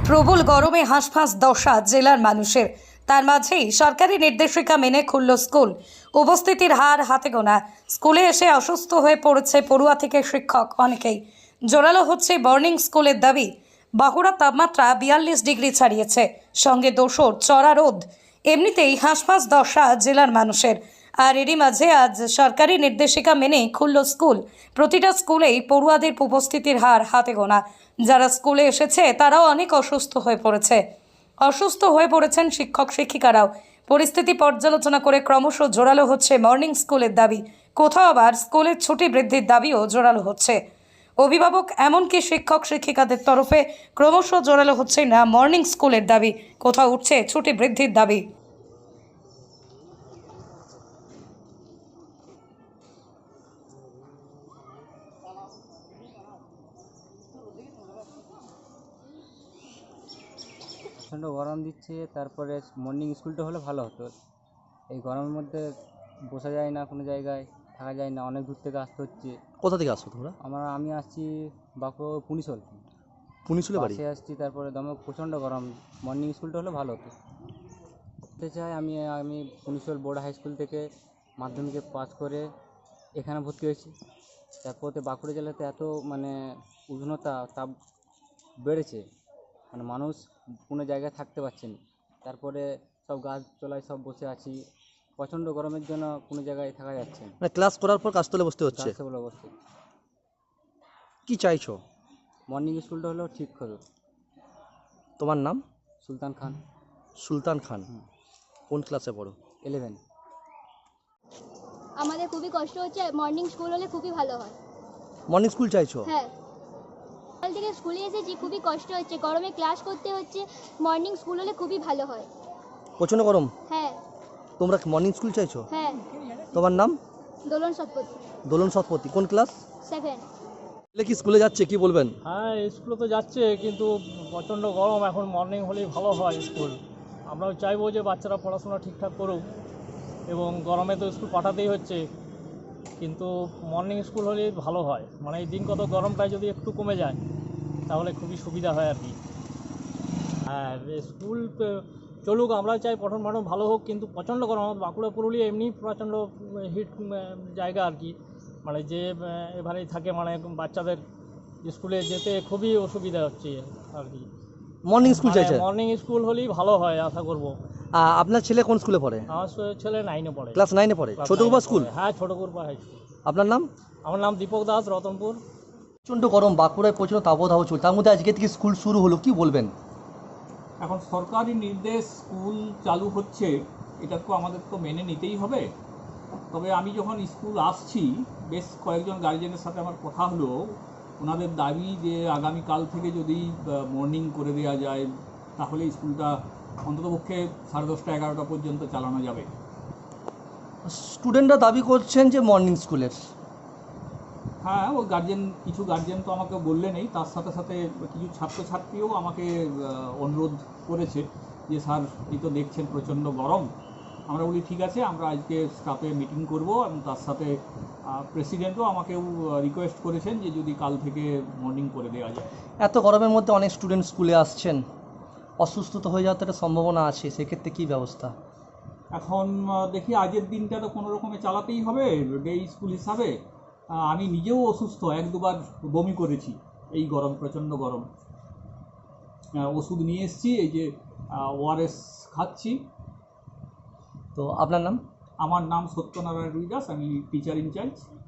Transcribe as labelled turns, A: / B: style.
A: প্রবল গরমে হাঁসফাঁস দশা জেলার মানুষের। তার মাঝেই সরকারি নির্দেশিকা মেনে খুলল স্কুল। উপস্থিতির হার হাতে গোনা। স্কুলে এসে অসুস্থ হয়ে পড়েছে পড়ুয়া থেকে শিক্ষক অনেকেই। জোরালো হচ্ছে বর্নিং স্কুলের দাবি। বাঁকুড়ার তাপমাত্রা 42 ডিগ্রি ছাড়িয়েছে, সঙ্গে দোসর চড়া রোদ। এমনিতেই হাঁসফাঁস দশা জেলার মানুষের। আর এরই মাঝে আজ সরকারি নির্দেশিকা মেনে খুলল স্কুল। প্রতিটা স্কুলেই পড়ুয়াদের উপস্থিতির হার হাতে গোনা। যারা স্কুলে এসেছে তারাও অনেক অসুস্থ হয়ে পড়েছেন শিক্ষক শিক্ষিকারাও। পরিস্থিতি পর্যালোচনা করে ক্রমশ জোরালো হচ্ছে মর্নিং স্কুলের দাবি। কোথাও আবার স্কুলের ছুটি বৃদ্ধির দাবিও জোরালো হচ্ছে। অভিভাবক এমনকি শিক্ষক শিক্ষিকাদের তরফে ক্রমশ জোরালো হচ্ছে না মর্নিং স্কুলের দাবি, কোথাও উঠছে ছুটি বৃদ্ধির দাবি।
B: প্রচণ্ড গরম দিচ্ছে, তারপরে মর্নিং স্কুলটা হলে ভালো হতো। এই গরমের মধ্যে বসা যায় না, কোনো জায়গায় থাকা যায় না, অনেক দূর থেকে আসতে হচ্ছে।
C: কোথা থেকে আসছো তোমরা?
B: আমি আসছি বাঁকুড়া পুনিশল
C: পুনিশুলে বাড়ি?
B: বাসে আসছি, তারপরে দমে প্রচণ্ড গরম। মর্নিং স্কুলটা হলে ভালো হতো। বলতে চাই আমি পুনিশল বোর্ড হাই স্কুল থেকে মাধ্যমিকে পাস করে এখানে ভর্তি হয়েছি। তারপরে বাঁকুড়া জেলাতে এত উষ্ণতা তাপ বেড়েছে, মানুষ কোনো জায়গায় থাকতে পারছে না। তারপরে সব গাছতলায় সব বসে আছি, প্রচণ্ড গরমের জন্য কোনো জায়গায় থাকা যাচ্ছে না।
C: মানে ক্লাস করার পর কাজতলে বসতে হচ্ছে।
B: গাছগুলো অবস্থা
C: কি চাইছো?
B: মর্নিং স্কুলটা হলেও ঠিক হতো।
C: তোমার নাম?
B: সুলতান খান।
C: সুলতান খান। কোন ক্লাসে পড়ো?
B: 11।
D: আমাদের খুবই কষ্ট হচ্ছে, মর্নিং স্কুল হলে খুবই ভালো হয়।
C: মর্নিং স্কুল চাইছো?
D: হ্যাঁ, সকাল থেকে স্কুলে এসেছি, খুবই কষ্ট হচ্ছে, গরমে ক্লাস করতে হচ্ছে। মর্নিং স্কুল হলে খুবই ভালো হয়।
C: প্রচণ্ড গরম।
D: হ্যাঁ
C: তোমরা মর্নিং স্কুল চাইছো?
D: হ্যাঁ।
C: তোমার নাম?
D: দোলন শতপথী,
C: দোলন শতপথী। কোন ক্লাস?
D: 7।
C: ছেলে কি স্কুলে যাচ্ছে, কি বলবেন?
E: হ্যাঁ, স্কুলে তো যাচ্ছে, কিন্তু প্রচণ্ড গরম। এখন মর্নিং হলেই ভালো হয় স্কুল। আমরাও চাইবো যে বাচ্চারা পড়াশোনা ঠিকঠাক করুক, এবং গরমে তো স্কুল পাঠাতেই হচ্ছে, কিন্তু মর্নিং স্কুল হলেই ভালো হয়। এই দিন কত গরমটা যদি একটু কমে যায় তাহলে খুবই সুবিধা হয় আর কি। আর স্কুল চলুক, আমরা চাই পঠন পাঠন ভালো হোক, কিন্তু প্রচণ্ড গরম। বাঁকুড়া পুরুলিয়া এমনি প্রচণ্ড হিট জায়গা আর কি। যে এবারেই থাকে, বাচ্চাদের স্কুলে যেতে খুবই অসুবিধা হচ্ছে আর কি।
C: মর্নিং স্কুল চাইছে?
E: মর্নিং স্কুল হলেই ভালো হয়, আশা করব।
C: আপনার ছেলে কোন স্কুলে পড়ে?
E: আমার ছেলে 9-এ পড়ে।
C: ক্লাস 9-এ পড়ে। ছোটকুপা স্কুল?
E: হ্যাঁ, ছোটকুপা হাই স্কুল।
C: আপনার নাম?
E: আমার নাম দীপক দাস, রতনপুর।
C: প্রচণ্ড গরম, বাঁকুড়ায় প্রচণ্ড তাপদাহ চলছে, তার মধ্যে আজকে থেকে স্কুল শুরু হলো, কি বলবেন?
F: এখন সরকারি নির্দেশ, স্কুল চালু হচ্ছে, এটা তো আমাদের তো মেনে নিতেই হবে। তবে আমি যখন স্কুল আসছি, বেশ কয়েকজন গার্জেনের সাথে আমার কথা হলো। ওনাদের দাবি যে আগামীকাল থেকে যদি মর্নিং করে দেওয়া যায়, তাহলে স্কুলটা অন্ততপক্ষে 10:30 11টা পর্যন্ত চালানো যাবে।
C: স্টুডেন্টরা দাবি করছেন যে মর্নিং স্কুলের।
F: হ্যাঁ, ও কিছু গার্জেন তো আমাকে বললেনই, তার সাথে সাথে কিছু ছাত্রছাত্রীও আমাকে অনুরোধ করেছে যে স্যার, এই তো দেখছেন প্রচণ্ড গরম। আমরা বলি ঠিক আছে, আমরা আজকে স্টাফে মিটিং করব, এবং তার সাথে প্রেসিডেন্টও আমাকেও রিকোয়েস্ট করেছেন যে যদি কাল থেকে মর্নিং করে দেওয়া যায়।
C: এত গরমের মধ্যে অনেক স্টুডেন্ট স্কুলে আসছেন, অসুস্থতা হয়ে যাওয়ার তো একটা সম্ভাবনা আছে, সেক্ষেত্রে কী ব্যবস্থা?
F: এখন দেখি, আজের দিনটা তো কোনো রকমে চালাতেই হবে ডে স্কুল হিসাবে। আমি নিজেও অসুস্থ, 1-2বার বমি করেছি এই গরম, প্রচণ্ড গরম। ওষুধ নিয়ে এসেছি, এই যে ওআরএস খাচ্ছি।
C: তো আপনার নাম?
F: আমার নাম সত্যনারায়ণ রুইদাস, আমি টিচার ইনচার্জ।